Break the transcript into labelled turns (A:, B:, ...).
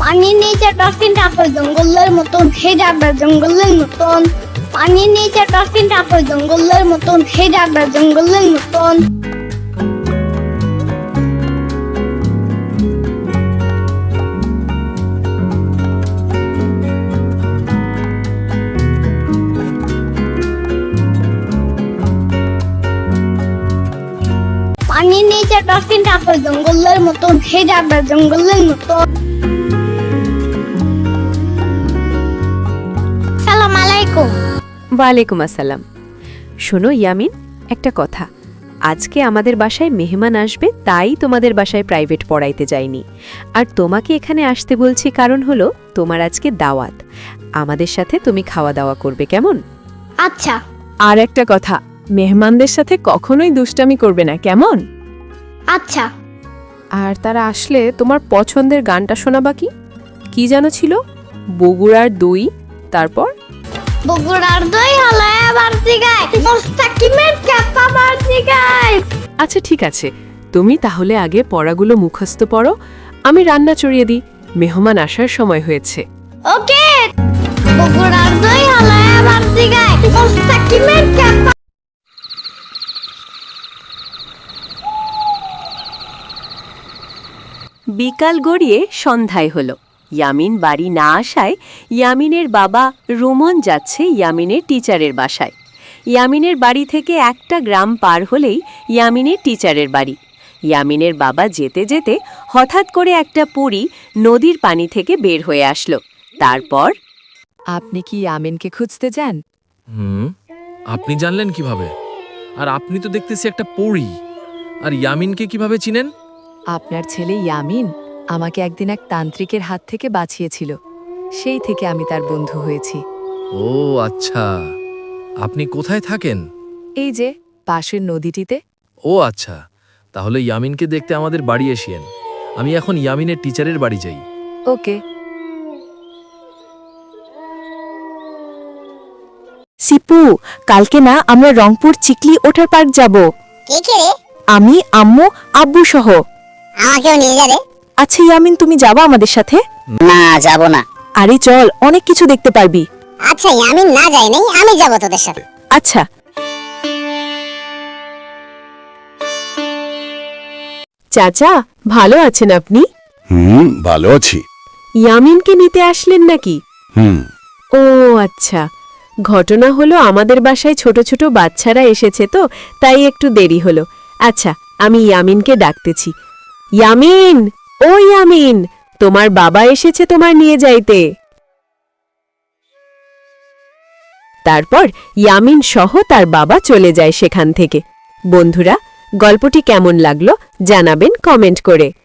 A: পানির নিচে ডলফিন টাপে জঙ্গলের মতন হে যাবে জঙ্গলের মতন। পানির নিচে ডলফিন টাপে জঙ্গলের মতন হে যাবে জঙ্গলের মতন। পানির নিচে ডলফিন টাপে জঙ্গলের মতন হে যাবে জঙ্গলের মতন। সালাম আলাইকুম।
B: ওয়ালাইকুম আসসালাম। শোনো ইয়ামিন, একটা কথা, আজকে আমাদের বাসায় মেহমান আসবে, তাই তোমাদের বাসায় প্রাইভেট পড়াইতে যাইনি। আর তোমাকে এখানে আসতে বলছি কারণ হলো তোমার আজকে দাওয়াত, আমাদের সাথে তুমি খাওয়া দাওয়া করবে, কেমন?
A: আচ্ছা।
C: আর একটা কথা, মেহমানদের সাথে কখনোই দুষ্টামি করবে না, কেমন?
A: আচ্ছা।
C: আর তারা আসলে তোমার পছন্দের গানটা শোনাবা কি? কি যেন ছিল? বগুড়ার দই, তারপর
A: বগুড়ার দই হলো এবার দিগায় মোস্তাকিমের চাপা বার দিগায়।
C: আচ্ছা ঠিক আছে, তুমি তাহলে আগে পড়াগুলো মুখস্থ পড়ো, আমি রান্না চড়িয়ে দিই, মেহমান আসার সময় হয়েছে।
A: ওকে। বগুড়ার দই হলো এবার দিগায় মোস্তাকিমের চাপা।
B: বিকাল গড়িয়ে সন্ধ্যায় হলো। ইয়ামিন বাড়ি না আসায় ইয়ামিনের বাবা রোমন যাচ্ছে ইয়ামিনের টিচারের বাসায়। ইয়ামিনের বাড়ি থেকে একটা গ্রাম পার হলেই ইয়ামিনের টিচারের বাড়ি। ইয়ামিনের বাবা যেতে যেতে হঠাৎ করে একটা পরী নদীর পানি থেকে বের হয়ে আসলো। তারপর,
D: আপনি কি ইয়ামিনকে খুঁজতে যান?
E: আপনি জানলেন কিভাবে? আর আপনি তো দেখতেছি একটা পরী, আর ইয়ামিনকে কিভাবে চিনেন?
D: আপনার ছেলে ইয়ামিন আমাকে একদিন এক তান্ত্রিকের হাত থেকে বাঁচিয়েছিল, সেই থেকে আমি তার বন্ধু হয়েছি।
E: ও আচ্ছা, আপনি কোথায় থাকেন?
D: এই যে পাশের নদীটিতে।
E: ও আচ্ছা, তাহলে ইয়ামিনকে দেখতে আমাদের বাড়ি এসিয়েন। আমি এখন ইয়ামিনের টিচারের বাড়ি যাই।
D: ওকে।
F: সিপু, কালকে না আমরা রংপুর চিকলি ওঠার পার্ক যাব।
A: কে কে রে?
F: আমি, আম্মু, আব্বু সহ।
A: আমাকেও নিয়ে যাবে?
F: আচ্ছা ইয়ামিন, তুমি যাবা আমাদের সাথে?
G: না, যাব না।
F: আরে চল, অনেক কিছু দেখতে পারবি।
G: আচ্ছা, আমি না যাই নাই, আমি যাব তোদের সাথে।
F: আচ্ছা।
C: চাচা, ভালো আছেন আপনি?
H: ভালো আছি।
C: ইয়ামিনকে নিতে আসলেন নাকি? ও আচ্ছা, ঘটনা হলো আমাদের বাসায় ছোট ছোট বাচ্চারা এসেছে তো, তাই একটু দেরি হলো। আচ্ছা, আমি ইয়ামিনকে ডাকতেছি। ইয়ামিন, ও ইয়ামিন, তোমার বাবা এসেছে তোমার নিয়ে যাইতে। তারপর ইয়ামিন সহ তার বাবা চলে যায় সেখান থেকে। বন্ধুরা, গল্পটি কেমন লাগলো জানাবেন কমেন্ট করে।